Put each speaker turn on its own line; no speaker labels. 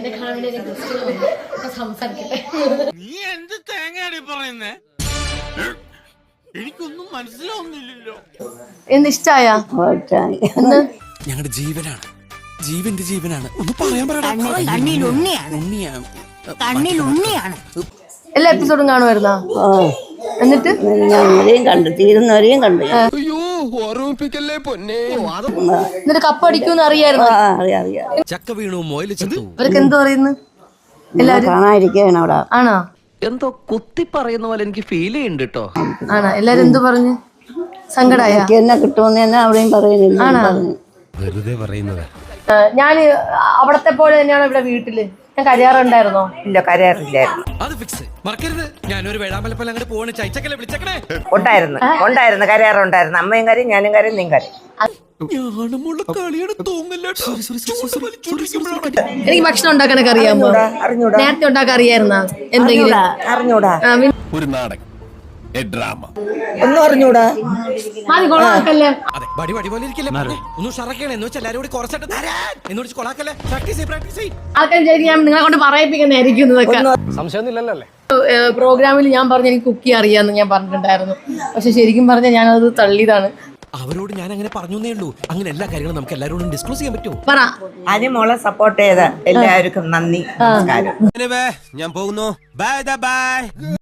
എന്നെ കാണാൻ വേണ്ടി സംസാരിക്കട്ടെ.
നീ എന്ത് തേങ്ങയാടി പറയുന്നേ? എനിക്കൊന്നും മനസ്സിലാവുന്നില്ലല്ലോ.
എന്ന് ഇഷ്ടായ
ഞങ്ങളുടെ ജീവനാണ്, ജീവന്റെ ജീവനാണ്. ഒന്ന് പറയാൻ
കണ്ണിലുണ്ണിയാണ്.
എല്ലാ എപ്പിസോഡും കാണുമായിരുന്നോ? എന്നിട്ട്
ഞങ്ങളെയും കണ്ടു, തീരുന്നവരെയും കണ്ടു.
അയ്യോ ഓർമ്മിപ്പിക്കല്ലേ പൊന്നെ.
എന്നിട്ട് കപ്പടിക്കൂന്ന് അറിയായിരുന്നു.
ചക്ക വീണു മോയില് ചത്തു.
അവർക്ക് എന്തോ പറയുന്നു എല്ലാരും
കാണാതിരിക്കുകയാണ് അവിടെ.
ആണോ?
എന്തോ കുത്തി പറയുന്ന പോലെ എനിക്ക് ഫീൽ ചെയ്യുന്നുണ്ട് കേട്ടോ.
ആണോ? എല്ലാരും എന്തു പറഞ്ഞു? സങ്കടായ
എന്നെ കിട്ടുമെന്ന് തന്നെ അവിടെയും പറയുന്നില്ല.
വെറുതെ പറയുന്നത്.
ഞാൻ അവിടത്തെ പോലെ തന്നെയാണ് ഇവിടെ വീട്ടില്. ഞാൻ കരയാറുണ്ടായിരുന്നോ?
ഇല്ല, കരയാറില്ലായിരുന്നു.
അത് ഫിക്സ് മറക്കരുത്. ഞാനൊരു വേഴാമ്പലപ്പല്ല അങ്ങോട്ട് പോകണേ. ചൈച്ചക്കല്ലേ വിളിച്ചേക്കണേ.
ഉണ്ടായിരുന്നു കരയാറുണ്ടായിരുന്നു. അമ്മയും കരയും, ഞാനും കരയും, നീ കരയും.
എനിക്ക് ഭക്ഷണം ഉണ്ടാക്കാനൊക്കെ അറിയാമോ? നേരത്തെ ഉണ്ടാക്കാൻ അറിയായിരുന്ന എന്തെങ്കിലും?
അറിഞ്ഞൂടാ.
ഒരു നാടകം, ഡ്രാമ
ഒന്നും അറിഞ്ഞൂടാ.
മതി, കൊള്ളാക്കല്ലേ.
അതെ, ബടി ബടി പോലെ ഇരിക്കല്ലേ. ഒന്ന് ഷറക്കണേ എന്ന് വെച്ചാൽ എല്ലാവരും കൂടി കുറച്ചിട്ട് എന്നോട് കൊളാക്കല്ലേ. പ്രാക്ടീസ് ചെയ്യ്.
ആൾക്കാർ ഞാൻ നിങ്ങളെ കൊണ്ട് പറയിപ്പിക്കുന്നതായിരിക്കും ഇതൊക്കെ. പ്രോഗ്രാമിൽ ഞാൻ പറഞ്ഞു എനിക്ക് കുക്ക് ചെയ്യാൻ അറിയാമെന്ന് ഞാൻ പറഞ്ഞിട്ടുണ്ടായിരുന്നു. പക്ഷെ ശരിക്കും പറഞ്ഞാൽ ഞാനത് തള്ളിയതാണ്.
അവരോട് ഞാൻ അങ്ങനെ പറഞ്ഞേ ഉള്ളൂ. അങ്ങനെ എല്ലാ കാര്യങ്ങളും നമുക്ക് എല്ലാവരോടും ഡിസ്ക്ലോസ് ചെയ്യാൻ പറ്റുമോ?
പറ.
അനുമോളെ സപ്പോർട്ട് ചെയ്ത എല്ലാവർക്കും നന്ദി, നമസ്കാരം.
ഞാൻ പോകുന്നു. Bye by.